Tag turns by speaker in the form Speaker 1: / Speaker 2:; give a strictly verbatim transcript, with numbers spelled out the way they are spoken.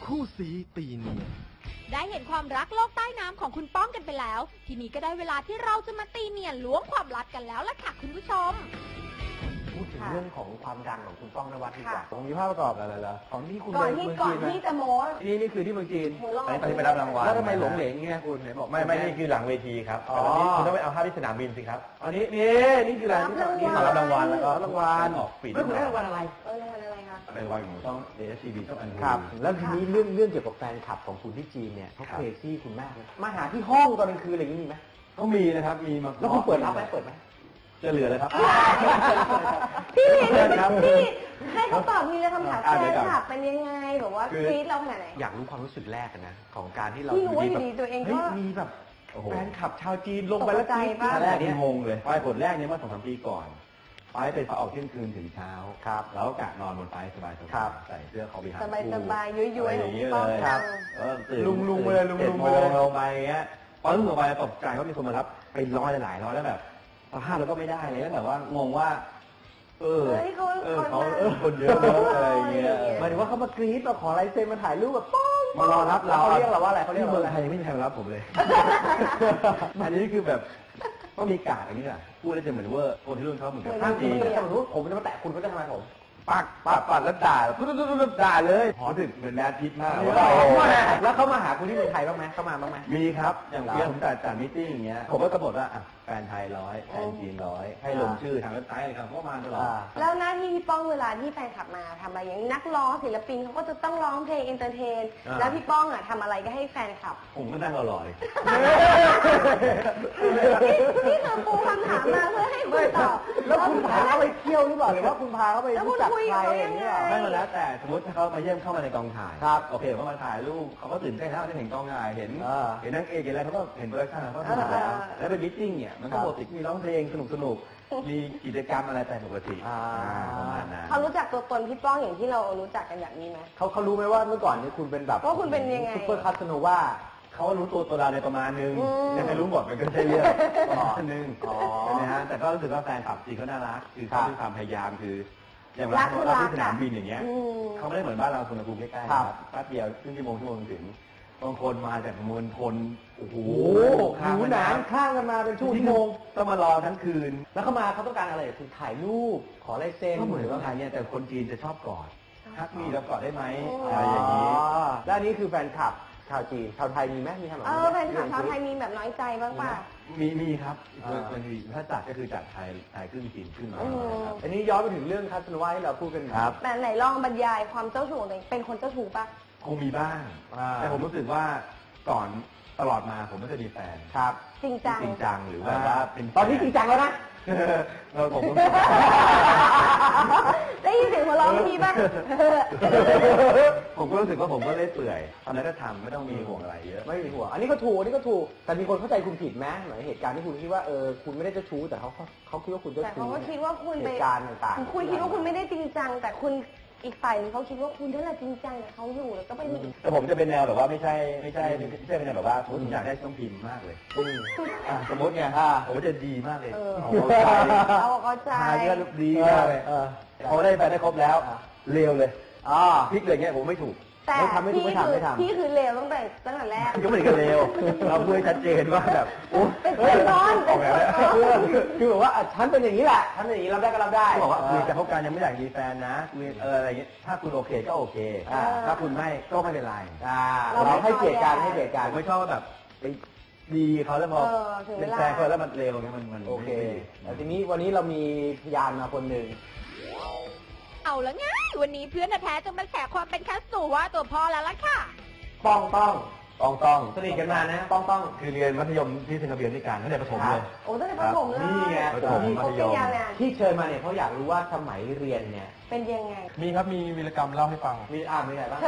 Speaker 1: คู่สีตีเนียน
Speaker 2: ได้เห็นความรักโลกใต้น้ำของคุณป้องกันไปแล้วทีนี้ก็ได้เวลาที่เราจะมาตีเนียนล้วงความลับกันแล้วล่ะค่ะคุณผู้ชม
Speaker 3: พูดถึงเรื่องของความดังของคุณป้องนวัดดีกว่า
Speaker 4: ผมมีภาพประกอบอะไรเหรอของที่คุณ
Speaker 5: ก่อนที่ก่อนที่จะโม้
Speaker 4: นี่นี่คือที่เมืองจีน
Speaker 3: อันนี้ไปรับรางวัล
Speaker 4: แล้วทำไมหลงเหลงเงี้ยคุณไหนบอก
Speaker 3: ไม่ไม่นี่คือหลังเวทีครับตอนนี้คุณต้องไปเอาภาพที่สนามบินสิครับ
Speaker 4: อันนี้นี่นี่คืออะไร
Speaker 3: นี่มารับรางวัลแล้วก็
Speaker 4: รางวัล
Speaker 3: ออกปี
Speaker 4: แล้วคุณได้รางวัลอะไร
Speaker 5: เออรางวัลอะไรคะ
Speaker 3: เป็นรางวัลของช่อง เอ เอส ที วี ช่องอัน
Speaker 4: ครับแล้วทีนี้เรื่องเรื่องเกี่ยวกับแฟนคลับของคุณที่จีนเนี่ยเขาเคซี่คุณมากเลยมาหาที่ห้องตอนกลางคืนอะไรอย่างนี้มีไหม
Speaker 3: ก็มีนะครับมีมา
Speaker 4: แล้วคุณเปิดรับไหมเปิดไหม
Speaker 3: จะเหลือเลยครับ
Speaker 5: พี่พี่ให้เขาตอบมีเลยคำถามแฟนคลับเป็นยังไงแบบว่ากรี๊ดเราขนาดไหน
Speaker 4: อยากรู้ความรู้สึกแรกนะของการที่เรา
Speaker 5: อยู่ดีตัวเองก็
Speaker 4: มีแบบแฟนคลับชาวจีนลงไปแล้ว
Speaker 5: กรี๊ด
Speaker 3: ตอนแรกนี่งงเลยไฟผลแรกเนี่ยเมื่อสองสามปีก่อนไฟเป็นออกเที่ยงคืนถึงเช้า
Speaker 4: ครับ
Speaker 3: แล้วกะนอนบนไฟสบายๆใส่เสื้อคอบีฮาร์
Speaker 5: สบายสบายย้อยย้อย
Speaker 3: อย่างนี้เลยครับตื่น
Speaker 4: ลุงลุงเลยลุงลุง
Speaker 3: เลยลงไปเงี้ยพอลุกลงไปตกใจว่ามีคนมารับไปร้อยหลายร้อยแล้วแบบสภาพเราก็ไม่ได้เลยแล้วแบบว่างงว่าเออเออเขาเออคนเยอะอะไรเงี้ย
Speaker 4: หมายถึงว่าเขามากรี๊ดมาขอลายเซ็นมาถ่ายรูปแบบป้อง
Speaker 3: มารอรับเรา
Speaker 4: เขาเรียกเราว่าอะไรเขาเรียก
Speaker 3: เมืองไทยไม่มีใครมารับผมเลยอันนี้คือแบบก็มีกาดอย่างนี้แหละพูดได้จะเหมือนว่าคนที่รุ่นเขาเหมือนกับ
Speaker 4: ถ้าจริงสมมติผมจะมาแตะคุณเขาจะทำไมผม
Speaker 3: ปักปักปักแล้วด่าปุ๊บปุ๊บปุ๊บด่าเลยพอถึงเป็นแมสพิษมาก
Speaker 4: แล้วเขามาหาคุณที่เมืองไทยบ้างไหมเขามาบ้างไหม
Speaker 3: มีครับอย่างเพื่อนผมจัดจัดมิทติ้งอย่างเงี้ยผมก็กำหนดว่าแฟนไทยร้อยแฟนจีนร้อยให้ลงชื่อทางเว็บไซต์อะไรครับก็มาตลอด
Speaker 5: แล้วหน้าที่พี่ป้องเวลาที่แฟนคลับมาทำอะไรอย่างนักร้องศิลปินเขาก็จะต้องร้องเพลงเอนเตอร์เทนแล้วพี่ป้องอ่ะทำอะไรก็ให้แฟนคลับ
Speaker 3: ผมก็นั่งรอเลย
Speaker 5: นี่คือปูคำถามมาเพื่อให้คุณตอบ
Speaker 4: แล้วคุณพาเขาไปเที่ยวหรือเปล่าหรือว่าคุณพาเขาไปรู้จักใครอย่างเงี้ย
Speaker 3: ไม่มาแล้วแต่สมมติถ้าเขามาเยี่ยมเข้ามาในกองถ่าย
Speaker 4: ครับ
Speaker 3: โอเคเขามาถ่ายรูปเขาก็ตื่นเต้นแล้วได้เห็นกองถ่ายเห็นเห็นนักเอกเห็นอะไรเขาก็เห็นโปรดักชั่นเขาทำแล้วแล้วเป็นมิทติ้งเนี่ยมันก็ปกติมีร้องเพลงสนุกสนุกมีกิจกรรมอะไรไปปกติประมาณนั้น
Speaker 5: เขารู้จักตัวตนพี่ป้องอย่างที่เรารู้จักกันแบบนี้ไหม
Speaker 4: เขาเขารู้ไหมว่าเมื่อก่อนนี้คุณเป็นแบบ
Speaker 5: ว่าคุณเป็นยังไง
Speaker 4: ซุปเปอร์คาสโนว่า
Speaker 3: เขารู้ตัวตัวเราในประมาณนึงยังไม่รู้หมดมันก็ใช่เรื่องประมาณนึงใช่ไหมฮะแต่ก็รู้สึกว่าแฟนคลับจีนเขาน่ารักคือเขามีความพยายามคืออย่างเราเราที่สนามบินอย่างเงี้ยเขาไม่ได้เหมือนบ้านเราสุนทรภูมิใกล้ๆครับแป๊บเดียวครึ่งชั่วโมงชั่วโมงถึงบางคนมาจากมวลชนโอ้โห
Speaker 4: หนูหนานข้างกันมาเป็นชั่วโมง
Speaker 3: ต้องมารอทั้งคืน
Speaker 4: แล้วเขามาเขาต้องการอะไรคือถ่ายรูปขอลายเซ็น
Speaker 3: ก็เหมือนว่าถ่ายเนี่ยแต่คนจีนจะชอบกอดทักมีแล้วกอดได้ไหมอะไรอย่างนี้
Speaker 4: ด้านนี้คือแฟนคลับชาวจีนชาวไทยมีไหมมีทำแบบ
Speaker 5: นี้เออแฟนคลับชาวไทยมีแบบน้อยใจบ้างป่ะ
Speaker 3: มีมีครับมันมีถ้าจัดก็คือจัดไทยไทยครึ่งจีนครึ่งน้อย
Speaker 4: อันนี้ย้อนไปถึงเรื่องคาสโนวาที่เราพูดกัน
Speaker 3: ครับ
Speaker 5: แต่ไหนลองบรรยายความเจ้าชู้ของตัวเองเป็นคนเจ้าชู้ป่ะ
Speaker 3: คงมีบ้างแต่ผมรู้สึกว่าก่อนตลอดมาผมไม่เคยมีแฟน
Speaker 4: ครับ
Speaker 5: จริงจัง
Speaker 3: จริงจังหรือว่าเป็น
Speaker 4: ตอนนี้จริงจังแล้วนะ
Speaker 3: เราผม
Speaker 5: ได้ยินเสียงหัวเราะไม่มีบ้าง
Speaker 3: ผมก็รู้สึกว่าผมก็เล่นเปื่อยตอนนั้นก็ทำไม่ต้องมีห่วงอะไรเยอะ
Speaker 4: ไม่มีห่วงอันนี้ก็ถูกอันนี้ก็ถูกแต่มีคนเข้าใจคุณผิดไหมเหมือนเหตุการณ์ที่คุณคิดว่าเออคุณไม่ได้เจ้าชู้แต่เขาเขาคิดว่าคุณเจ้าชู้
Speaker 5: แต่เขาก็คิดว่าคุณ
Speaker 4: เหตุการณ์ต่าง
Speaker 5: ๆคุณคิดว่าคุณไม่ได้จริงจังแต่คุณอีกฝ่ายนึงเขาคิดว่าคุณนั่นแหละจริงจังเขาอยู่แล้วก็ไปมี
Speaker 3: แต่ผมจะเป็นแนวแบบว่าไม่ใช่ไม่ใช่ไม่ใช่เป็นแนวแบบว่าผมอยากได้ต้องพิมพ์มากเลยสมมติไงผมจะดีมากเลย
Speaker 5: เอาเข้าใจ
Speaker 3: ทายก็ดีมากเลยพอได้ไปได้ครบแล้วเร็วเลยพลิกเลยเงี้ยผมไม่ถูก
Speaker 5: แต่พี่คือพี่คือเลวตั้งแต่ตั้งแต่แรก
Speaker 3: ก็ไม่ได้เลวเราพูดชัดเจนว่าแบบ
Speaker 5: เป็นเพื่อนนอน
Speaker 4: คือแบบว่าฉันเป็นอย่างนี้แหละฉันเป็นอย่างนี้รับได้ก็รับได้
Speaker 3: บอกว่าคุยจะคบกันยังไม่อยากมีแฟนนะคุยเอออะไรเงี้ยถ้าคุณโอเคก็โอเคถ้าคุณไม่ก็ไม่เป็นไร
Speaker 4: เราให้เกียรติกันให้เกียรติกัน
Speaker 3: ไม่ชอบแบบไปดีเขาแล้วพอเป็นแฟนเขาแล้วมันเร็วเงี้ยมันมัน
Speaker 4: โอเคแต่ทีนี้วันนี้เรามีพยานมาคนหนึ่ง
Speaker 2: เอาละไงวันนี้เพื่อนแท้จะมาแฉความเป็นคัสโนวาตัวพ่อแล้วล่ะค่ะ
Speaker 4: ป้องป้อง
Speaker 3: ป้องต้อง
Speaker 4: สนิทกันมานะป้องต้อง
Speaker 3: คือเรียนมัธยมที่เซนต์เบียนด้วยกันตั้งแต่ประถมเลย
Speaker 5: โอ้ตั้งแต่ประถมเลย
Speaker 3: นี่ไงประถมมัธยม
Speaker 4: ที่เชิญมาเนี่ยเขาอยากรู้ว่าสมัยเรียนเนี่ย
Speaker 5: เป็นยังไง
Speaker 3: มีครับมีวีรกรรมเล่าให้ฟัง
Speaker 4: มีอ่านมีอะไรบ้าง